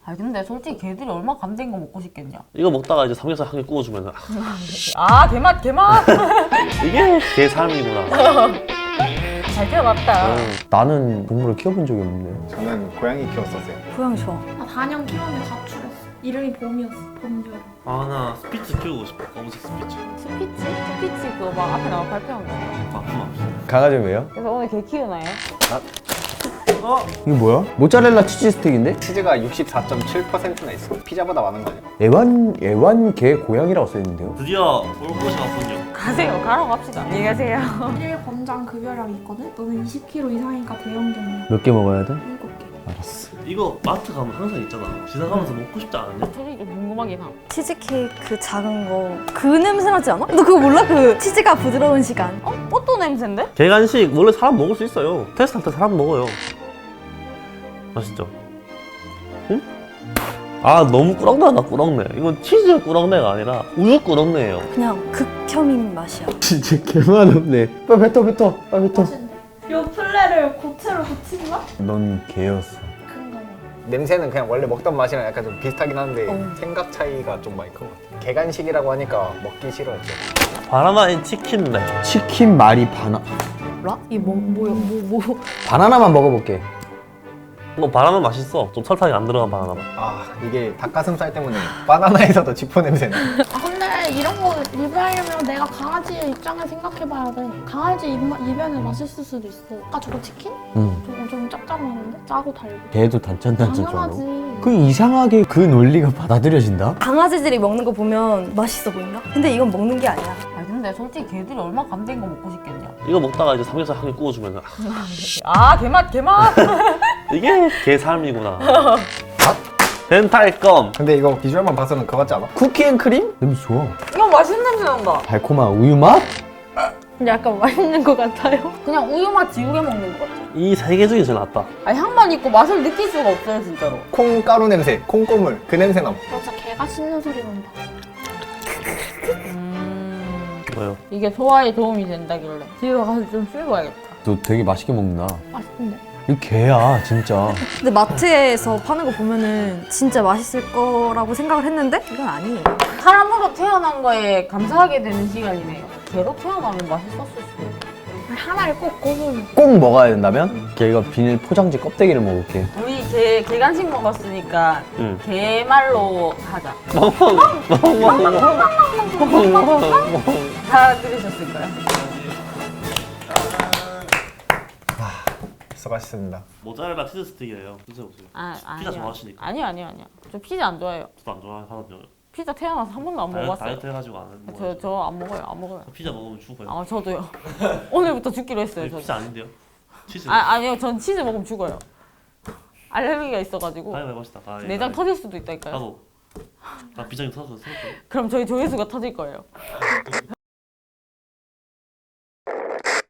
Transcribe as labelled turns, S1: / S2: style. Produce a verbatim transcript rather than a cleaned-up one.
S1: 아 근데 솔직히 걔들이 얼마나 감된 거 먹고 싶겠냐.
S2: 이거 먹다가 이제 삼겹살 한 개 구워주면
S1: 아 개맛 개맛.
S2: 이게 개 삶이구나.
S1: 잘 키워봤다.
S2: 응.
S3: 나는 동물을 키워본 적이 없네.
S4: 저는 고양이 키웠었어요.
S5: 고양이 좋아.
S6: 나 단연 키웠는데 가출했어. 이름이 봄이었어. 봄, 여름.
S2: 아 나 스피츠 키우고 싶어. 검은색 스피츠.
S1: 스피치? 스피치 그거 막 앞에 나와 발표한 거.
S2: 아픔 없어.
S3: 강아지 왜요?
S1: 그래서 오늘 걔 키우나요?
S3: 이게 뭐야? 모짜렐라 치즈 스틱인데?
S4: 치즈가 육십사 점 칠 퍼센트나 있어. 피자보다 많은 거 아니야?
S3: 애완 애완 개 고양이라고 써있는데요?
S2: 드디어 올 곳이 왔군요.
S1: 가세요. 가러 갑시다. 안녕히 가세요.
S6: 일 권장 급여량이 있거든? 너는 이십 킬로그램 이상이니까 대형견이야.
S3: 몇 개 먹어야 돼?
S6: 일곱 개.
S3: 알았어.
S2: 이거 마트 가면 항상 있잖아. 지나가면서 먹고 싶지 않았냐?
S1: 솔직히 좀 궁금하긴 함.
S5: 치즈케이크 그 작은 거 그 냄새 나지 않아? 너 그거 몰라? 그 치즈가 부드러운 시간.
S1: 어? 뽀또 냄새인데?
S2: 개간식 원래 사람 먹을 수 있어요. 테스트할 때 사람 먹어요. 맛있죠? 응? 아 너무 꾸렁내다 꾸렁내. 이건 치즈 꾸렁내가 아니라 우유 꾸렁내예요.
S5: 그냥 극혐인 맛이야.
S3: 진짜 개만 없네. 빨리 뱉어 뱉어 빨리 뱉어.
S6: 요 플레를 고체로 고친 거?
S3: 넌 개였어.
S6: 큰 거야.
S4: 냄새는 그냥 원래 먹던 맛이랑 약간 좀 비슷하긴 한데
S5: 어.
S4: 생각 차이가 좀 많이 큰 것 같아. 개간식이라고 하니까 먹기 싫어했죠.
S2: 바나나인 치킨네.
S3: 치킨 말이 바나
S5: 몰라? 이게 뭐 뭐야? 뭐 뭐.
S3: 바나나만 먹어볼게.
S2: 뭐 바나나 맛있어. 좀 설탕이 안 들어간 바나나 맛.
S4: 아 이게 닭가슴살 때문에 바나나에서도 지포 냄새나.
S6: 아 근데 이런 거 리뷰하려면 내가 강아지의 입장을 생각해봐야 돼. 강아지 입마, 입에는 맛있을 수도 있어. 아까 저거 치킨?
S3: 응.
S6: 저거 좀 짭짤하는데? 짜고 달고.
S3: 개도 단짠단짠
S6: 당연하지.
S3: 좋아하고. 그 이상하게 그 논리가 받아들여진다?
S5: 강아지들이 먹는 거 보면 맛있어 보인다? 근데 이건 먹는 게 아니야.
S1: 아 근데 솔직히 걔들이 얼마나 감된 거 먹고 싶겠냐.
S2: 이거 먹다가 이제 삼겹살 한 개 구워주면
S1: 아 개맛 개맛.
S2: 이게 개 삶이구나. 벤탈검.
S4: 근데 이거 비주얼만 봐서는 그거 같지 않아?
S3: 쿠키앤크림? 냄새 좋아.
S1: 이거 맛있는 냄새 난다.
S3: 달콤한 우유 맛?
S5: 근데 약간 맛있는 거 같아요.
S1: 그냥 우유 맛 지우개 먹는 것 같아.
S2: 이 세 개 중에 제일 낫다.
S1: 아니 향만 있고 맛을 느낄 수가 없어요 진짜로.
S4: 콩가루 냄새, 콩고물 그 냄새 남.
S6: 나 진짜 개가 씹는 소리 난다.
S1: 음...
S2: 뭐요?
S1: 이게 소화에 도움이 된다길래 집에 가서 좀 씹어야겠다.
S3: 너 되게 맛있게 먹는다.
S6: 맛있던데.
S3: 이거 개야 진짜.
S5: 근데 마트에서 파는 거 보면은 진짜 맛있을 거라고 생각을 했는데 이건 아니에요.
S1: 사람으로 태어난 거에 감사하게 되는 시간이네요. 개로 태어나면 맛있었을 수도 있고.
S6: 하나를 꼭 꼽으면.
S3: 꼭 먹어야 된다면? 걔가 비닐 포장지 껍데기를 먹을게.
S1: 우리 개, 개 간식 먹었으니까
S2: 응.
S1: 개말로 하자. 다 들으셨을까요?
S4: 수고하셨습니다.
S2: 모짜렐라 치즈 스틱이에요. 드셔보세요.
S1: 아,
S2: 피자
S1: 아니요.
S2: 좋아하시니까.
S1: 아니요 아니요 아니요. 저 피자 안 좋아해요.
S2: 저도 안 좋아하거든요.
S1: 피자 태어나서 한 번도 안
S2: 다이어트,
S1: 먹어봤어요.
S2: 다이어트 해가지고 안
S1: 저
S2: 먹어요.
S1: 저 안 먹어요 안 먹어요.
S2: 피자 먹으면 죽어요.
S1: 아 저도요. 오늘부터 죽기로 했어요. 저.
S2: 피자 아닌데요? 치즈.
S1: 아 아니요 전 치즈 먹으면 죽어요. 알레르기가 있어가지고
S2: 다이어트 해봅시다. 아, 예,
S1: 내장
S2: 아, 예.
S1: 터질 수도 있다니까요.
S2: 나도. 나 비장이 터졌어.
S1: 그럼 저희 조회수가 터질 거예요.